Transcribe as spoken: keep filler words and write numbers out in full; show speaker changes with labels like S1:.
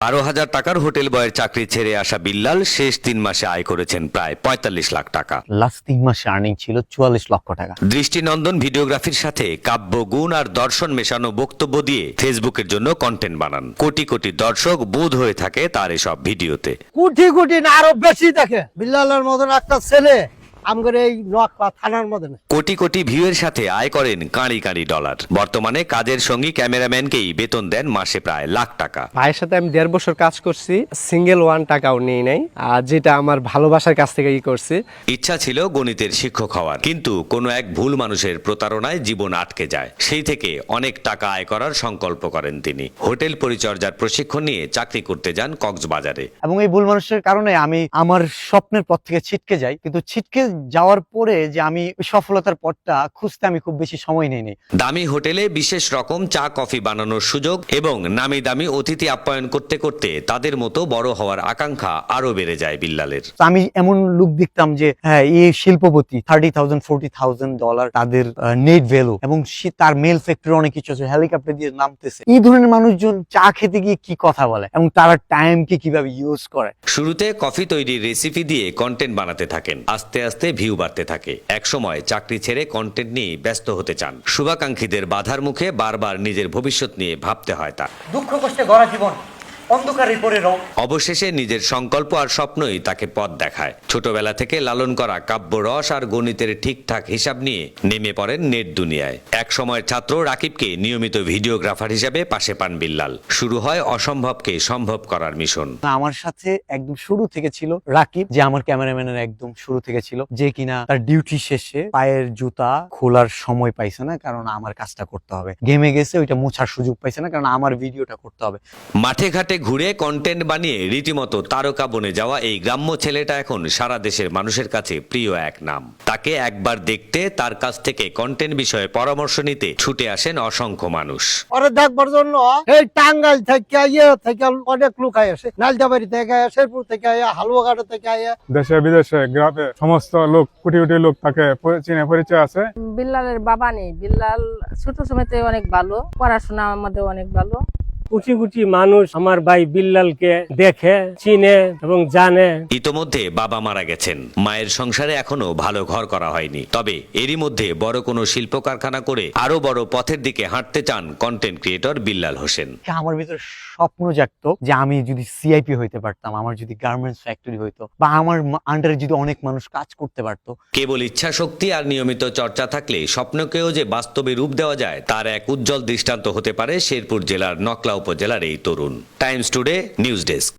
S1: বারো হাজার টাকার হোটেল বয়ের চাকরি ছেড়ে আসা বিল্লাল শেষ তিন মাসে আয় করেছেন প্রায় পঁয়তাল্লিশ লাখ টাকা।
S2: লাস্ট তিন মাসে আর্নিং ছিল চুয়াল্লিশ লক্ষ টাকা।
S1: দৃষ্টিনন্দন ভিডিওগ্রাফির সাথে কাব্য গুণ আর দর্শন মেশানো বক্তব্য দিয়ে ফেসবুকের জন্য কন্টেন্ট বানান। কোটি কোটি দর্শক বোধ হয়ে থাকে তার এসব ভিডিওতে।
S3: কোটি কোটি না আরো বেশি দেখে বিল্লালের মতন একটা ছেলে আমগরে এই নোয়াখালী থানার মধ্যে না।
S1: কোটি কোটি ভিউয়ের সাথে আয় করেন কাঁড়ি কাঁড়ি ডলার। বর্তমানে কাজের সঙ্গী ক্যামেরাম্যানকেই বেতন দেন মাসে প্রায় লাখ টাকা।
S4: ভাইয়ের সাথে আমি দেড় বছর কাজ করছি, সিঙ্গেল ওয়ান টাকাও নিই নাই, আর যেটা আমার ভালোবাসার কাছ থেকে ই করছি।
S1: ইচ্ছা ছিল গণিতের শিক্ষক হওয়ার, কিন্তু কোনো এক ভুল মানুষের প্রতারণায় জীবন আটকে যায়। সেই থেকে অনেক টাকা আয় করার সংকল্প করেন তিনি। হোটেল পরিচর্যার প্রশিক্ষণ নিয়ে চাকরি করতে যান কক্সবাজারে।
S2: এবং এই ভুল মানুষের কারণে আমি আমার স্বপ্নের পথ থেকে ছিটকে যাই, কিন্তু ছিটকে যাওয়ার পরে যে আমি সফলতার পথটা খুঁজতে আমি খুব বেশি সময় নেই।
S1: দামি হোটেলে বিশেষ রকম চা কফি বানানোর সুযোগ এবং নামি দামি অতিথি আপ্যায়ন করতে করতে তাদের মতো বড় হওয়ার আকাঙ্ক্ষা আরো বেড়ে যায় বিল্লালের।
S2: আমি এমন লোক দেখতাম যে হ্যাঁ এই শিল্পপতি thirty thousand forty thousand dollar তাদের নেট ভ্যালু, এবং সে তার মেল ফ্যাক্টরি অনেক কিছু আছে, হেলিকপ্টার দিয়ে নামতেছে। এই ধরনের মানুষজন চা খেতে গিয়ে কি কথা বলে এবং তারা টাইমকে কিভাবে ইউজ করে।
S1: শুরুতে কফি তৈরির রেসিপি দিয়ে কন্টেন্ট বানাতে থাকেন। আস্তে আস্তে ভিউ বাড়তে থাকে। একসময় চাকরি ছেড়ে কন্টেন্ট নিয়ে ব্যস্ত হতে চান। শুভাকাঙ্ক্ষীদের বাধার মুখে বারবার নিজের ভবিষ্যৎ নিয়ে ভাবতে হয় তার।
S2: দুঃখ কষ্টে গড়া জীবন অন্ধকারে পড়ে রং।
S1: অবশেষে নিজের সংকল্প আর স্বপ্নই তাকে পথ দেখায়। ছোটবেলা থেকে লালন করা কাব্য রস আর গণিতের ঠিকঠাক হিসাব নিয়ে নেমে পড়েন নেট দুনিয়ায়। এক সময়ের ছাত্র রাকিবকে নিয়মিত ভিডিওগ্রাফার হিসেবে পাশে পান বিল্লাল। শুরু হয় অসম্ভবকে সম্ভব করার মিশন।
S2: আমার সাথে একদম শুরু থেকে ছিল রাকিব, যে আমার ক্যামেরাম্যানের একদম শুরু থেকে ছিল, যে কিনা তার ডিউটি শেষে পায়ের জুতা খোলার সময় পাইছে না, কারণ আমার কাজটা করতে হবে। গেমে গেছে, ওইটা মোছার সুযোগ পাইছে না, কারণ আমার ভিডিওটা করতে হবে।
S1: মাঠে ঘাটে ঘুরে কন্টেন্ট বানিয়ে রীতিমতো তারকা বনে যাওয়া এই গ্রাম্য ছেলেটা এখন সারা দেশের মানুষের কাছে প্রিয় এক নাম। তাকে একবার দেখতে, তার কাছ থেকে কন্টেন্ট বিষয়ে পরামর্শ নিতে ছুটে আসেন অসংখ্য মানুষ।
S3: পরে দেখবার জন্য এই টাঙ্গাইল থেকে ইয়ে থেকে অনেক লোক আসে, নালদাবাড়ি থেকে আয়া, শেরপুর থেকে আয়া, হালুয়াঘাটা থেকে আয়া,
S5: দেশে বিদেশে গ্রামে সমস্ত লোক কোটি কোটি লোক তাকে চিনে পরিচয় আছে।
S6: বিল্লালের বাবা নেই, বিল্লাল ছোট সময়তে অনেক ভালো, পড়াশোনা আমাদের অনেক ভালো।
S7: কোটি কোটি মানুষ আমার ভাই বিল্লালকে দেখে, চিনে এবং জানে।
S1: ইতোমধ্যে বাবা মারা গেছেন, মায়ের সংসারে এখনো ভালো ঘর করা হয়নি। তবে এরই মধ্যে বড় কোনো শিল্প কারখানা করে আরো বড় পথের দিকে হাঁটতে চান কন্টেন্ট ক্রিয়েটর বিল্লাল হোসেন।
S2: আমার ভিতরে স্বপ্ন জাগতো যে আমি যদি সিআইপি হইতে পারতাম, আমার যদি গার্মেন্টস ফ্যাক্টরি হইতো, বা আমার আন্ডারে যদি অনেক মানুষ কাজ করতে পারতো।
S1: কেবল ইচ্ছা শক্তি আর নিয়মিত চর্চা থাকলে স্বপ্নকেও যে বাস্তবে রূপ দেওয়া যায়, তার এক উজ্জ্বল দৃষ্টান্ত হতে পারে শেরপুর জেলার নকলা উপজেলার এই তরুণ। Times Today news desk.